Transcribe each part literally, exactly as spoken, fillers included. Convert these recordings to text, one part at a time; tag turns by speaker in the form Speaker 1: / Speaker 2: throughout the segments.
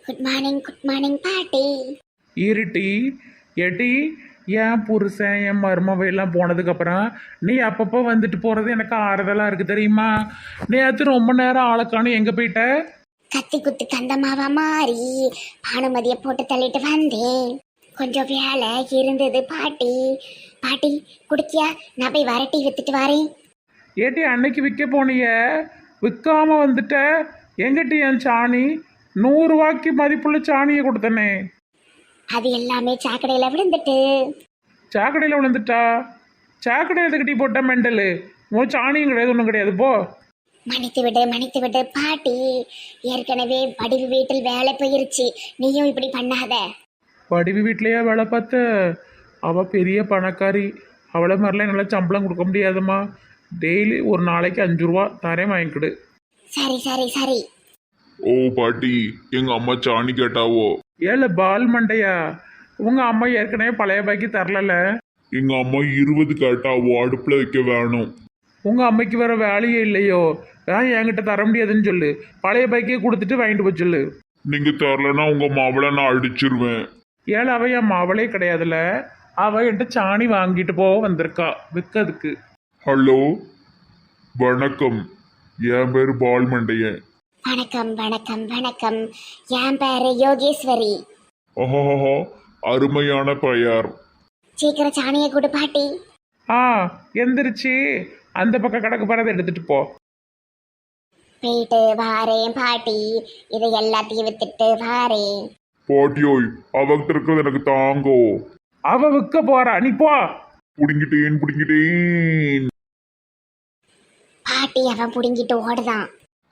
Speaker 1: Good morning good morning பாட்டி.
Speaker 2: இருட்டி எட்டி என் புருஷன் என் மருமவை எல்லாம் போனதுக்கப்புறம் நீ அப்பப்போ வந்துட்டு போகிறது எனக்கு ஆறுதலாக இருக்குது தெரியுமா? நேற்று ரொம்ப நேரம் ஆளுக்கானு எங்கே போயிட்ட?
Speaker 1: கத்தி குத்து கந்தமாவா மாறி பானுமதியை போட்டு தள்ளிட்டு வந்தேன். கொஞ்சம் வேலை இருந்தது பாட்டி. பாட்டி குடிக்கியா? நான் போய் வரட்டி வித்துட்டு வரேன்.
Speaker 2: ஏட்டி அன்னைக்கு விற்க போனிய விற்காம வந்துட்ட. எங்கிட்ட என் சாணி நூறுரூவாய்க்கு மதிப்புள்ள சாணியை கொடுத்தனே.
Speaker 1: அது எல்லாமே சாக்கடையில விழுந்துட்டு.
Speaker 2: சாக்கடையில் விழுந்துட்டா? சாக்கடையில் கட்டி போட்ட மெண்டலு. உன் சாணியும் கிடையாது ஒன்றும் கிடையாது போ.
Speaker 1: மன்னித்து விடு மன்னித்து விடு பாட்டி. ஏற்கனவே வடிவு வீட்டில் வேலை போயிருச்சு, நீயும் இப்படி பண்ணாத.
Speaker 2: வடிவு வீட்லையா வேலை பார்த்த? அவள் பெரிய பணக்காரி. அவளை மாதிரிலாம் நல்லா சம்பளம் கொடுக்க முடியாதும்மா. டெய்லி ஒரு நாளைக்கு அஞ்சு ரூபா தரேன், வாங்கிக்கிடு.
Speaker 1: சரி சரி சரி.
Speaker 3: ஓ பாட்டி, எங்க அம்மா சாணி கேட்டாவோ?
Speaker 2: ஏல பால் மண்டையா, உங்க அம்மா ஏற்கனவே பழைய பாக்கி தரல.
Speaker 3: எங்க அம்மா இருபது கேட்டாவோ, அடுப்புல வைக்க வேணும்.
Speaker 2: உங்க அம்மைக்கு வேற வேலையே இல்லையோ? ஏன் என்கிட்ட தர முடியாதுன்னு சொல்லு. பழைய பாக்கியே கொடுத்துட்டு வாங்கிட்டு போய் சொல்லு.
Speaker 3: நீங்க தரலன்னா உங்க மாவளை நான் அடிச்சிருவேன்.
Speaker 2: ஏழை அவ என் மாவளே கிடையாதுல. அவ என்கிட்ட சாணி வாங்கிட்டு போக வந்திருக்கா விற்கிறதுக்கு.
Speaker 3: ஹலோ வணக்கம், என் பேரு பால் மண்டையன்.
Speaker 1: வணக்கம் வணக்கம் வணக்கம். என் பேரு யோகேஸ்வரி.
Speaker 3: ஓஹோஹோ, அருமையான பெயர்.
Speaker 1: சீக்கிரம் சாணியை கொடு பாட்டி.
Speaker 2: ஆ எந்திரிச்சு அந்த பக்கம் கணக்கு போறதை எடுத்துட்டு போ.
Speaker 1: போயிட்டு வாரேன் பாட்டி. இதை எல்லாத்தையும் வித்துட்டு வாரேன்.
Speaker 3: பாட்டியோய், அவகிட்ட இருக்கிறது எனக்கு தாங்கோ.
Speaker 2: அவ விற்க போறா, நீ போ.
Speaker 3: புடிங்கிட்டேன் புடிங்கிட்டேன்.
Speaker 1: பாட்டி அவன் புடுங்கிட்டு ஓடுதான்.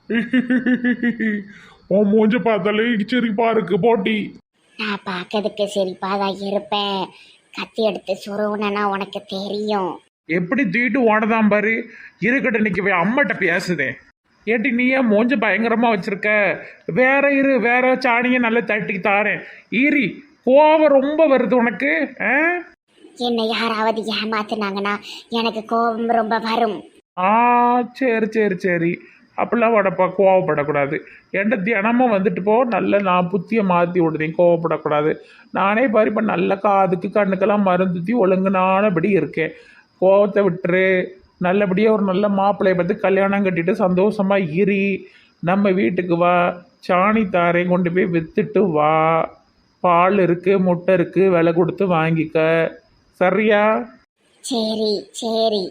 Speaker 2: உன் மூஞ்ச பார்த்தாலே சிரிப்பா இருக்கு போட்டி.
Speaker 1: நான் பார்க்கறதுக்கு சிரிப்பாதான் இருப்பேன். கத்தி எடுத்து சுருவனா உனக்கு தெரியும்.
Speaker 2: எப்படி தூக்கிட்டு ஓடதான் பாரு. இருக்கட்டும், இன்னைக்கு போய் அம்மாட்ட பேசுதேன். ஏட்டி நீ ஏன் மூஞ்ச பயங்கரமா வச்சிருக்க? வேற இரு, வேற சாணியை நல்லா தட்டி தாரேன். ஈரி கோவம் ரொம்ப வருது உனக்கு. ஆ
Speaker 1: என்னை யாராவது ஏமாத்துனாங்கன்னா எனக்கு கோபம் ரொம்ப வரும்.
Speaker 2: ஆ சரி சரி சரி, அப்படிலாம் உடப்பா கோவப்படக்கூடாது. என்கிட்ட தினமும் வந்துட்டு போ. நல்ல நான் புத்தியை மாற்றி விடுதேன், கோவப்படக்கூடாது. நானே பாரு இப்போ நல்ல காதுக்கு கண்ணுக்கெல்லாம் மருந்துத்தி ஒழுங்குனானபடி இருக்கேன். கோவத்தை விட்டுரு. நல்லபடியாக ஒரு நல்ல மாப்பிள்ளையை பார்த்து கல்யாணம் கட்டிட்டு சந்தோஷமா இரி. நம்ம வீட்டுக்கு வா, சாணி தாரையும் கொண்டு போய் விற்றுட்டு வா. பால் இருக்குது, முட்டை இருக்குது, விலை கொடுத்து வாங்கிக்க. சரியா?
Speaker 1: சரி சரி.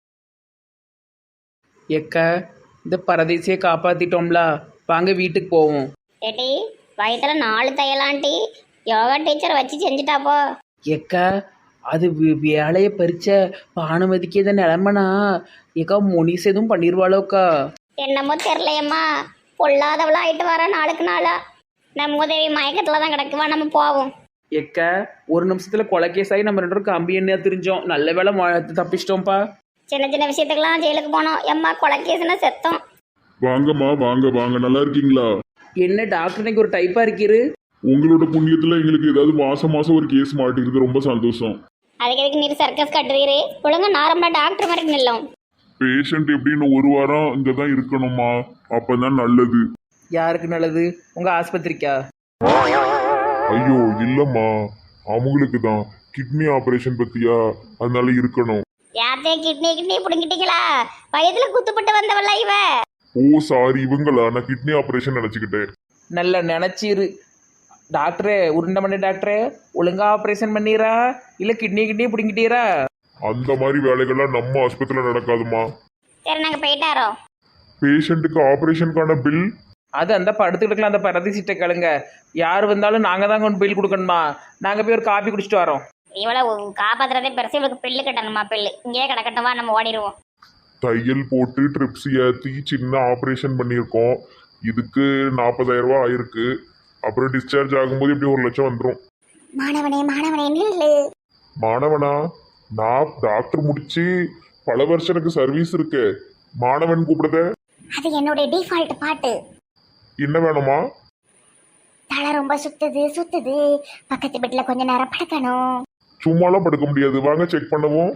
Speaker 4: எக்க இந்த பரதேசியை காப்பாத்திட்டோம்ல, வாங்க வீட்டுக்கு போவோம்.
Speaker 1: ஏட்டி வயிற்றுல நாலு தையலாண்டி யோகா டீச்சர் வச்சு செஞ்சுட்டாப்போ.
Speaker 4: எக்க அது வே- வேலையை பறிச்ச பானுமதிக்கு இதை நிலமனா ஏக்கா முனிஸ் எதுவும் பண்ணிடுவாளோக்கா?
Speaker 1: என்னமோ தெரியலையம்மா, பொல்லாதவளா ஆயிட்டு வர நாளுக்கு நாளா. நம்ம உதவி மயக்கத்துல தான் கிடக்குவா, நம்ம போவோம்.
Speaker 4: எக்க ஒரு நிமிஷத்துல கொலைகேஸ் ஆகி நம்ம ரெண்டு பேரும் கம்பி எண்ணெயா தெரிஞ்சோம். நல்ல வேலை ம- தப்பிச்சிட்டோம்ப்பா.
Speaker 1: சின்ன சின்ன விஷயத்துக்கெல்லாம் ஜெயிலுக்கு போனோம். எம்மா கொலைக்கேசுனா செத்தோம்.
Speaker 3: வாங்கம்மா வாங்க வாங்க, நல்லா இருக்கீங்களா?
Speaker 4: என்ன டாக்டர் இன்னைக்கு ஒரு டைப்பா இருக்கிறது?
Speaker 3: உங்களோட புண்ணியத்துல எங்களுக்கு ஏதாவது மாசம் மாசம் ஒரு கேஸ் மாட்டிருக்கு, ரொம்ப சந்தோஷம்.
Speaker 1: அதுக்கு எதுக்கு நீர் சர்க்கஸ் கட்டுறீரு? ஒழுங்கா நார்மலா டாக்டர் மாதிரி நில்லும்.
Speaker 3: பேஷண்ட் எப்படின்னு ஒரு வாரம் இங்க தான் இருக்கணுமா, அப்பதான் நல்லது.
Speaker 4: யாருக்கு நல்லது? உங்க ஆஸ்பத்திரிக்கா?
Speaker 3: ஐயோ இல்லம்மா, அவங்களுக்கு தான் கிட்னி ஆபரேஷன் பத்தியா, அதனால இருக்கணும்.
Speaker 1: யாத்தே கிட்னி கிட்னி புடுங்கிட்டீங்களா? வயதுல குத்துப்பட்டு வந்தவளா இவ?
Speaker 3: ஓ சாரி, இவங்களா? நான் கிட்னி ஆபரேஷன் நினைச்சுக்கிட்டேன்.
Speaker 4: நல்லா நினைச்சிரு டாக்டரே. உருண்டை மணி டாக்டரே, ஒழுங்கா ஆப்ரேஷன் பண்ணிடுறா இல்ல கிட்னி கிட்னி பிடிங்கிட்டீரா?
Speaker 3: அந்த மாதிரி வேலைகள்லாம் நம்ம ஆஸ்பத்திரியில நடக்காதுமா.
Speaker 1: சரி நாங்க போயிட்டாரோ.
Speaker 3: பேஷண்ட்டுக்கு ஆபரேஷனுக்கான பில்
Speaker 4: அது அந்த படுத்துக்கிட்டுக்கலாம். அந்த பரதி சீட்டை கழுங்க. யார் வந்தாலும் நாங்கள் தான் கொண்டு பில் கொடுக்கணுமா? நாங்கள் போய் ஒரு காப்பி குடிச்சிட்டு வரோம்.
Speaker 1: இவ்வளவு காப்பாத்துறதே பெருசு, இவளுக்கு பில்லு கட்டணுமா? பில்லு இங்கேயே கிடக்கட்டுமா, நம்ம ஓடிடுவோம்.
Speaker 3: தையல் போட்டு ட்ரிப்ஸ் ஏற்றி சின்ன ஆப்ரேஷன் பண்ணியிருக்கோம். இதுக்கு நாற்பதாயிரம் ரூபா ஆயிருக்கு. அப்புறம் டிஸ்சார்ஜ் ஆகும்போது இப்படி ஒரு லட்சம் வந்துடும்.
Speaker 1: மாணவனே மாணவனே நில்லு.
Speaker 3: மாணவனா? நான் டாக்டர் முடிச்சு பல வருஷம் எனக்கு சர்வீஸ் இருக்கு. மாணவன் கூப்பிடுத?
Speaker 1: அது என்னுடைய டிஃபால்ட் பாட்டு.
Speaker 3: என்ன வேணுமா?
Speaker 1: தலை ரொம்ப சுத்துது சுத்துது. பக்கத்து பெட்ல கொஞ்ச நேரம் படுக்கணும்.
Speaker 3: சும்மாலாம் படுக்க முடியாது, வாங்க செக் பண்ணுவோம்.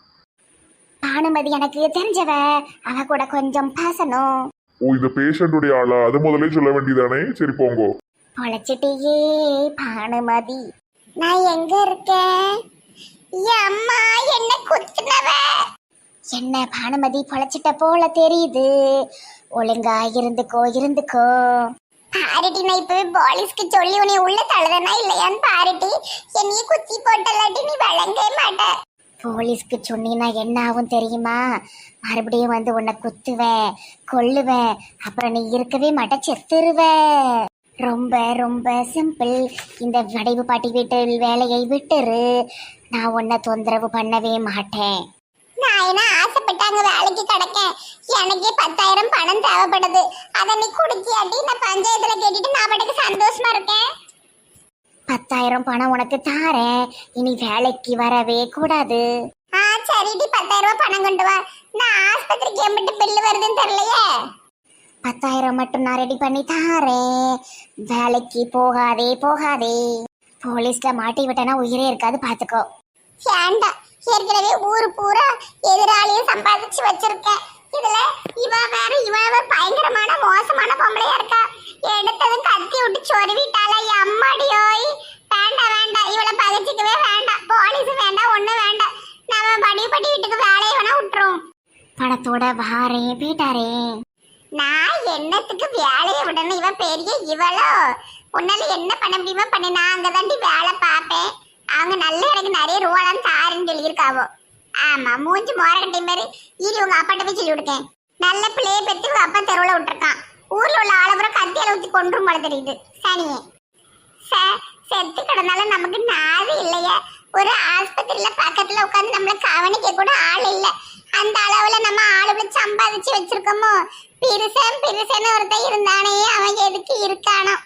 Speaker 1: பானுமதி எனக்கு தெரிஞ்சவ, அவ கூட கொஞ்சம் பேசணும்.
Speaker 3: ஓ, இந்த பேஷண்ட்டுடைய ஆளா? அது முதலே சொல்ல வேண்டியதானே. சரி போங்கோ.
Speaker 1: பொழைச்சிட்டியே பானுமதி. நான் எங்க இருக்கேன்? அம்மா என்ன குத்துனவ? என்ன பானுமதி பொழைச்சிட்ட போல தெரியுது. ஒழுங்கா இருந்துக்கோ இருந்துக்கோ. பாருடி, நான் இப்பவே போலீஸ்க்கு சொல்லி உன்னை உள்ள தழுதனா இல்லையான்னு பாருடி. என்னைய குத்தி போட்டலாட்டி நீ வழங்கவே மாட்ட. போலீஸ்க்கு சொன்னீன்னா என்ன ஆகும் தெரியுமா? மறுபடியும் வந்து உன்னை குத்துவேன், கொல்லுவேன். அப்புறம் நீ இருக்கவே மாட்ட, செத்துருவ. ரொம்ப ரொம்ப சிம்பிள். இந்த வடிவு பாட்டி வீட்டு வேலையை விட்டுரு. நான் உன்னை தொந்தரவு பண்ணவே மாட்டேன். நான் என்ன ஆசைப்பட்டாங்க வேலைக்கு கிடக்கேன். எனக்கே பத்தாயிரம் பணம் தேவைப்படுது. அதை நீ குடுக்கியாட்டி நான் பஞ்சாயத்துல கேட்டுட்டு நான் பாட்டுக்கு சந்தோஷமா இருக்கேன். பத்தாயிரம் பணம் உனக்கு தாரேன். இனி வேலைக்கு வரவே கூடாது. ஆ சரிடி, பத்தாயிரம் ரூபாய் பணம் கொண்டு வா. நான் ஆஸ்பத்திரிக்கு எம்பிட்டு பில்லு வருதுன்னு தெரியலையே. பத்தாயிரம் மட்டும் நான் ரெடி பண்ணி தாரேன். வேலைக்கு போகாதே போகாதே. போலீஸ்ல மாட்டி விட்டனா உயிரே இருக்காது, பாத்துக்கோ. ஏண்டா, ஏற்கனவே ஊரு பூரா எதிராளியும் சம்பாதிச்சு வச்சிருக்கேன். இதுல இவ வேற இவ பயங்கரமான மோசமான பொம்பளையா இருக்கா. எடுத்ததும் கத்தி விட்டு சொருவிட்டாளா. அம்மாடியோய், வேண்டாம் வேண்டாம், இவளை பகச்சிக்கவே வேண்டாம். போலீஸ் வேண்டாம், ஒண்ணு வேண்டாம். நம்ம படி படி வீட்டுக்கு வேலையை வேணா விட்டுரும். பணத்தோட வாரேன் வீட்டாரேன். நான் என்னத்துக்கு வேலையை விடணும்? இவ பெரிய இவளோ. உன்னால என்ன பண்ண முடியுமா பண்ணி. நான் அங்கதாண்டி வேலை பார்ப்பேன். அவங்க நல்ல எனக்கு நிறைய ரூபாலாம் தாருன்னு சொல்லியிருக்காவோ. ஆமா, மூஞ்சி மோரகட்டி மாதிரி. இரு உங்க அப்பாட்ட போய் சொல்லி விடுக்கேன். நல்ல பிள்ளைய பெற்று உங்க அப்பா தெருவில் விட்டுருக்கான். ஊர்ல உள்ள ஆளபுரம் கத்தியால ஊத்தி கொன்றும் போல தெரியுது. சனியே செத்து கிடந்தாலும் நமக்கு நாது இல்லையா? ஒரு ஆஸ்பத்திரியில பக்கத்துல உட்காந்து நம்மள கவனிக்க கூட ஆள் இல்ல. அந்த அளவுல நம்ம ஆளுகளை சம்பாதிச்சு வச்சிருக்கோமோ. பிரிசன் பிரிசன் ஒருத்தன் இருந்தானே, அவன் எதுக்கு இருக்கானோ?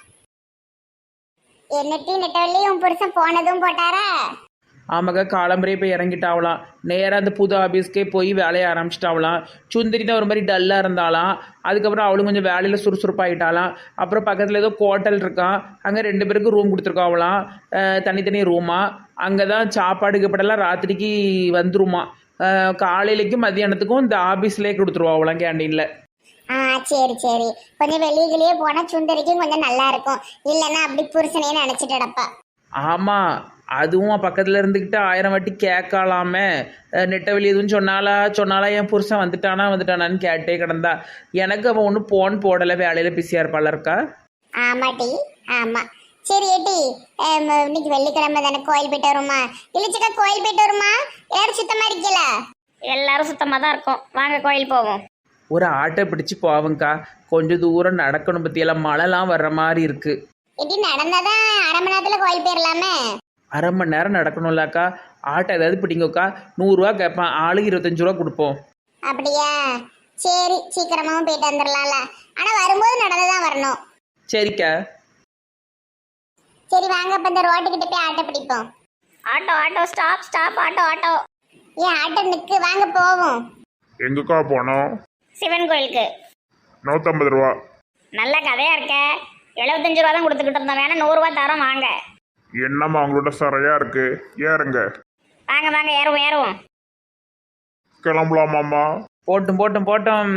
Speaker 1: என்னட்டி நெட்டவள்ளி, உன் புருஷன் போனதும் போட்டாரா?
Speaker 4: ஆமாக்கா, காலம்பரே போய் இறங்கிட்டாவலாம். நேராக அந்த புது ஆஃபீஸ்க்கே போய் வேலையை ஆரம்பிச்சிட்டாவலாம். சுந்தரி தான் ஒரு மாதிரி டல்லாக இருந்தாலாம். அதுக்கப்புறம் அவளும் கொஞ்சம் வேலையில் சுறுசுறுப்பாகிட்டாலாம். அப்புறம் பக்கத்தில் ஏதோ ஹோட்டல் இருக்கான், அங்கே ரெண்டு பேருக்கு ரூம் கொடுத்துருக்காவலாம். தனித்தனி ரூமா. அங்கே தான் சாப்பாடு கீப்பாடெல்லாம் ராத்திரிக்கு வந்துருமா. காலையிலைக்கும் மத்தியானத்துக்கும் இந்த ஆஃபீஸ்லேயே கொடுத்துருவாங்களாம் கேண்டீனில்.
Speaker 1: ஆ சரி சரி, கொஞ்சம் வெளியிலேயே போனால் சுந்தரிக்கும் கொஞ்சம் நல்லா இருக்கும். இல்லைன்னா அப்படி புருஷனே நினச்சிட்டு கிடப்பா.
Speaker 4: ஆமாம், அதுவும் பக்கத்தில் இருந்துக்கிட்டு ஆயிரம் வாட்டி கேட்கலாமே. நெட்டை வெளியே எதுவும் சொன்னாலா சொன்னாலா என் புருஷன் வந்துட்டானா வந்துட்டானான்னு கேட்டே கிடந்தா. எனக்கு அவன் ஒன்றும் போன் போடலை, வேலையில் பிஸியாக இருப்பாள் இருக்கா.
Speaker 1: ஆமாட்டி, ஆமாம். சரி ஏட்டி, இன்னைக்கு வெள்ளிக்கிழமை தானே, கோயில் போயிட்டு வருமா? இழிச்சக்கா கோயில் போயிட்டு வருமா? எல்லாரும் சுத்தமாக இருக்கல? எல்லாரும் சுத்தமாக தான் இருக்கும். வாங்க கோயில் போவோம்.
Speaker 4: ஒரு ஆட்டை பிடிச்சி போவங்க்கா. கொஞ்சம் தூரம் நடக்கணும், பற்றியெல்லாம் மழைலாம் வர்ற மாதிரி இருக்குது.
Speaker 1: ஏட்டி, நடந்தாதான் அரை மணி நேரத்தில் கோயில் போயிடலாமே.
Speaker 4: அரை மணி நேரம் நடக்கணும்லக்கா. ஆட்டோ ஏதாவது பிடிங்கக்கா. நூறுரூவா கேட்பான், ஆளுக்கு இருபத்தஞ்சு ரூபா கொடுப்போம்.
Speaker 1: அப்படியா? சரி, சீக்கிரமாவும் போயிட்டு வந்துடலாம்ல. ஆனால் வரும்போது நடந்துதான் வரணும்.
Speaker 4: சரிக்கா.
Speaker 1: சரி வாங்க, இப்போ இந்த ரோட்டுக்கிட்ட போய் ஆட்டோ பிடிப்போம். Auto auto, stop stop, auto auto. ஏன் ஆட்டோ நிற்கு, வாங்க போவோம்.
Speaker 3: எங்கக்கா போனோம்?
Speaker 1: சிவன் கோயிலுக்கு.
Speaker 3: நூற்றம்பது ரூபா.
Speaker 1: நல்ல கதையா இருக்க. எழுபத்தஞ்சு ரூபா தான் கொடுத்துக்கிட்டு இருந்தோம், வேணா நூறுரூவா தரோம் வாங்க.
Speaker 3: என்னம்மா அவங்களோட சரையா இருக்கு, ஏறுங்க.
Speaker 1: வாங்க வாங்க, ஏறுவோம் ஏறுவோம்.
Speaker 3: கிளம்பலாமாம்மா?
Speaker 4: போட்டும் போட்டும் போட்டும்.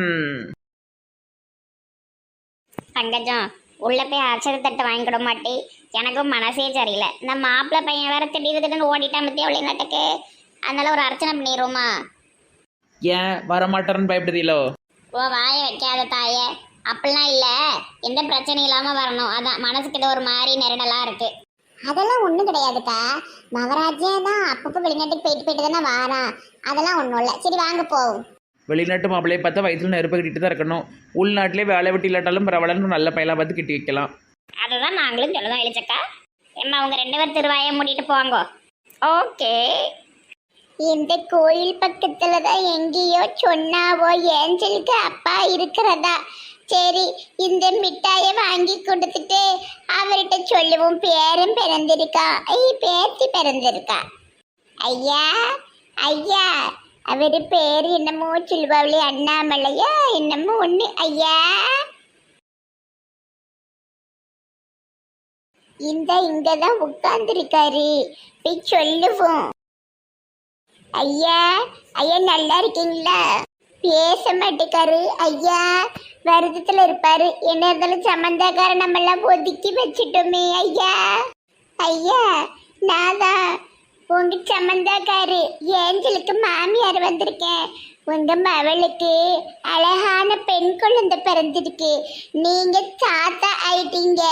Speaker 1: தங்கஜம், உள்ள போய் அர்ச்சனை தட்டு வாங்கிக்கிட மாட்டே. எனக்கும் மனசே சரியில்லை. இந்த மாப்பிள்ளை பையன் வேற திடீர் திடீர்னு ஓடிட்டான் பத்தியா வெளிநாட்டுக்கு. அதனால ஒரு அர்ச்சனை பண்ணிடுவோமா?
Speaker 4: ஏன் வரமாட்டேன்னு பயப்படுதீங்களோ?
Speaker 1: ஓ வாய வைக்காத தாயே, அப்படிலாம் இல்லை. எந்த பிரச்சனையும் இல்லாமல் வரணும், அதான் மனசுக்கு இது ஒரு மாதிரி நெருடலாக இருக்கு. அதெல்லாம் ஒன்றும் கிடையாதுக்கா. மகராஜே தான் அப்பப்போ வெளிநாட்டுக்கு போயிட்டு போயிட்டு தானே வாரான். அதெல்லாம் ஒன்றும் இல்லை. சரி வாங்க போவோம்.
Speaker 4: வெளிநாட்டு மாப்பிள்ளையை பார்த்தா வயிற்றுல நெருப்பு கட்டிட்டு தான் இருக்கணும். உள்நாட்டிலே வேலை வெட்டி இல்லாட்டாலும் பரவாயில்லன்னு நல்ல பையலாக பார்த்து கட்டி வைக்கலாம்.
Speaker 1: அதுதான் நாங்களும் சொல்லுதோம் இழிச்சக்கா. ஏம்மா அவங்க ரெண்டு பேர் திருவாயை மூடிட்டு போவாங்க. ஓகே. இந்த கோயில் பக்கத்துல தான் எங்கேயோ சொன்னாவோ ஏஞ்சலுக்கு அப்பா இருக்கிறதா. சரி, இந்த மிட்டாயை வாங்கி கொடுத்துட்டு அவர்கிட்ட சொல்லுவோம் பேரும் பிறந்திருக்கா. ஐய், பேத்தி பிறந்திருக்கா. ஐயா ஐயா, அவரு பேர் என்னமோ சொல்லுவாங்களே, அண்ணாமலையா என்னமோ ஒண்ணு. ஐயா, இந்த இங்கதான் உட்கார்ந்துருக்காரு, போய் சொல்லுவோம். ஐயா ஐயா, நல்லா இருக்கீங்களா? பேச மாட்டேக்காரு ஐயா, வருத்தத்துல இருப்பாரு. என்ன இருந்தாலும் சம்பந்தக்கார நம்ம எல்லாம் ஒதுக்கி வச்சிட்டோமே ஐயா. ஐயா, நான் தான் உங்க சம்பந்தக்காரு ஏஞ்சலுக்கு மாமியார் வந்திருக்கேன். உங்க மவளுக்கு அழகான பெண் குழந்தை பிறந்திருக்கு. நீங்க தாத்தா ஆயிட்டீங்க.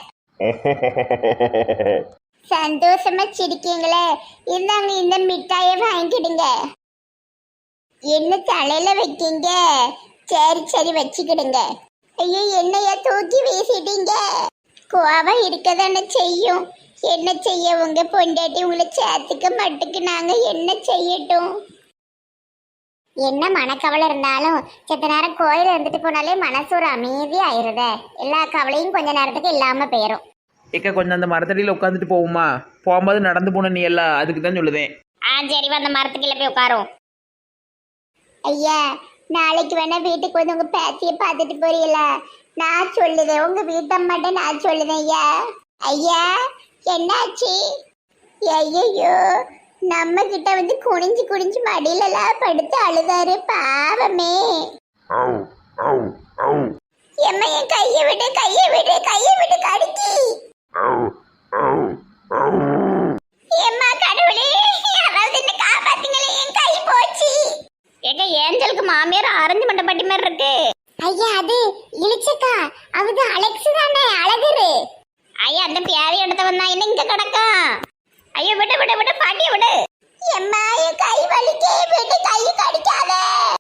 Speaker 1: சந்தோஷமா சிரிக்கீங்களே. இந்தாங்க இந்த மிட்டாயை வாங்கிடுங்க. என்ன தலையில வைக்கீங்க? சரி சரி வச்சுக்கிடுங்க. ஐயோ, என்னைய தூக்கி வீசிட்டீங்க. கோவம் இருக்கதானே செய்யும். என்ன செய்ய, உங்க பொண்டாட்டி உங்களை சேர்த்துக்க மட்டுக்கு நாங்க என்ன செய்யட்டும்? என்ன மனக்கவலை இருந்தாலும் செத்த நேரம் கோயில் இருந்துட்டு போனாலே மனசு ஒரு அமைதி ஆயிருத. எல்லா கவலையும் கொஞ்ச நேரத்துக்கு இல்லாம போயிரும்.
Speaker 4: ஏக்கா கொஞ்சம் அந்த மரத்தடியில் உட்காந்துட்டு போவோமா? போகும்போது நடந்து போன நீ எல்லாம் அதுக்கு தான் சொல்லுதேன்.
Speaker 1: ஆ சரி, அந்த மரத்துக்குள்ள போய் உட்காரும். ஐயா, நாளைக்கு வேணா வீட்டுக்கு வந்து உங்க பேத்திய பார்த்துட்டு போறீங்களா? நான் சொல்லுதேன், உங்க வீட்டம்மாட்ட நான் சொல்லுதேன். ஐயா ஐயா, என்னாச்சு? ஐயோ, நம்ம கிட்ட வந்து குனிஞ்சு குனிஞ்சு மடியில எல்லாம் படுத்து அழுதாரு, பாவமே.
Speaker 3: ஆவ் ஆவ் ஆவ்
Speaker 1: எம்மா, என் கையை விடு, கையை விடு, கையை விடு, கடிக்கி.
Speaker 3: ஆவ் ஆவ் ஆவ்
Speaker 1: எம்மா, கடவுளே, யாராவது என்ன காப்பாத்துங்களே, என் கை போச்சு. ஏங்க, ஏஞ்சலுக்கு மாமியார் ஆரஞ்சு மண்டை பட்டி மாதிரி இருக்கு. ஐயா, அது இளிச்சக்கா, அது அலெக்ஸ் தானே, அழகரு. ஐயா, அந்த பியாதி எடுத்த வந்தா என்ன இங்க கிடக்கும்? ஐயோ, விடு விடு விடு, பாட்டிய விடு. எம்மா, என் கை வலிக்கே, விடு, கை கடிக்காத.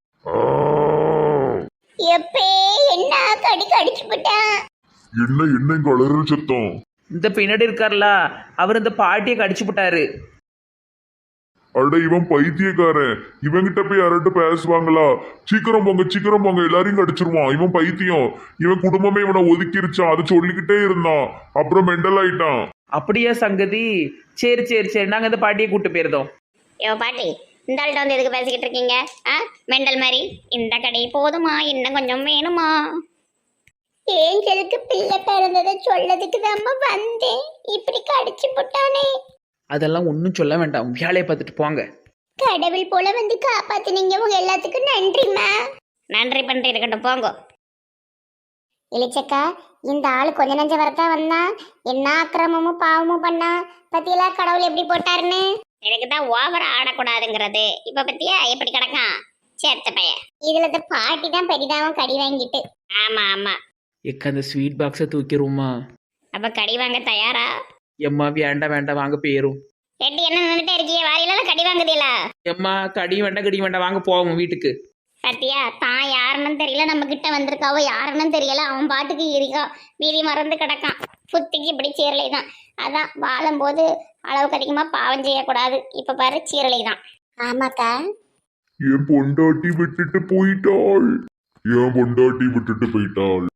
Speaker 1: எப்பே, என்ன கடி கடிச்சு விட்டான்?
Speaker 3: என்ன என்ன இங்க அலறல் சத்தம்?
Speaker 4: இந்த பின்னாடி இருக்கார்ல, அவர் இந்த பாட்டியை கடிச்சு விட்டாரு.
Speaker 3: அட, இவன் பைத்தியக்காரன். இவன்கிட்ட போய் யார்கிட்ட பேசுவாங்களா? சீக்கிரம் போங்க, சீக்கிரம் போங்க, எல்லாரையும் கடிச்சிருவான். இவன் பைத்தியம். இவன் குடும்பமே இவனை ஒதுக்கிருச்சான். அதை சொல்லிக்கிட்டே இருந்தான். அப்புறம் மெண்டல் ஆயிட்டான்.
Speaker 4: அப்படியா சங்கதி? சரி சரி சரி, நாங்கள் இந்த பாட்டியை கூப்பிட்டு போயிருந்தோம்.
Speaker 1: யோ பாட்டி, இந்த ஆள்கிட்ட வந்து எதுக்கு பேசிக்கிட்டு இருக்கீங்க? ஆ, மெண்டல் மாதிரி. இந்த கடை போதுமா, இன்னும் கொஞ்சம் வேணுமா? ஏஞ்சலுக்கு பிள்ளை பிறந்ததை சொல்லதுக்கு தான் வந்தேன். இப்படி கடிச்சு போட்டானே.
Speaker 4: அதெல்லாம் ஒன்றும் சொல்ல வேண்டாம், வேலையை பார்த்துட்டு போங்க.
Speaker 1: கடவுள் போல வந்து காப்பாத்தினீங்க. உங்க எல்லாத்துக்கும் நன்றிமா. நன்றி பண்றி இருக்கட்டும், போங்க. இளிச்சக்கா, இந்த ஆளு கொஞ்ச நஞ்ச வரத்தா வந்தா, என்ன அக்கிரமமும் பாவமும் பண்ணா. பத்தியெல்லாம் கடவுள் எப்படி போட்டாருன்னு. எனக்கு தான் ஓவர் ஆடக்கூடாதுங்கிறது. இப்ப பத்தியா எப்படி கிடக்கான் சேர்த்த பையன். இதுல இந்த பாட்டி தான் பெரிதாவும் கடி வாங்கிட்டு. ஆமா ஆமா.
Speaker 4: எக்க அந்த ஸ்வீட் பாக்ஸை தூக்கிடுவோமா?
Speaker 1: அப்ப கடி வாங்க தயாரா?
Speaker 4: எம்மா வேண்டாம் வேண்டாம், வாங்க போயிரும்.
Speaker 1: எட்டி என்ன நின்றுட்டே இருக்கிய? வாரியில கடி வாங்குதீங்களா?
Speaker 4: எம்மா கடி வேண்டாம் கடி வேண்டாம், வாங்க போவோம் வீட்டுக்கு.
Speaker 1: பத்தியா, தான் யாருன்னு தெரியல, நம்ம கிட்ட வந்திருக்காவோ யாருன்னு தெரியல. அவன் பாட்டுக்கு இருக்கா, வீதி மறந்து கிடக்கான். புத்திக்கு இப்படி சீரலை தான். அதான் வாழும்போது அளவுக்கு அதிகமா பாவம் செய்யக்கூடாது. இப்ப பாரு, சீரலை தான். ஆமாக்கா,
Speaker 3: என் பொண்டாட்டி விட்டுட்டு போயிட்டாள். என் பொண்டாட்டி விட்டுட்டு போயிட்டாள்.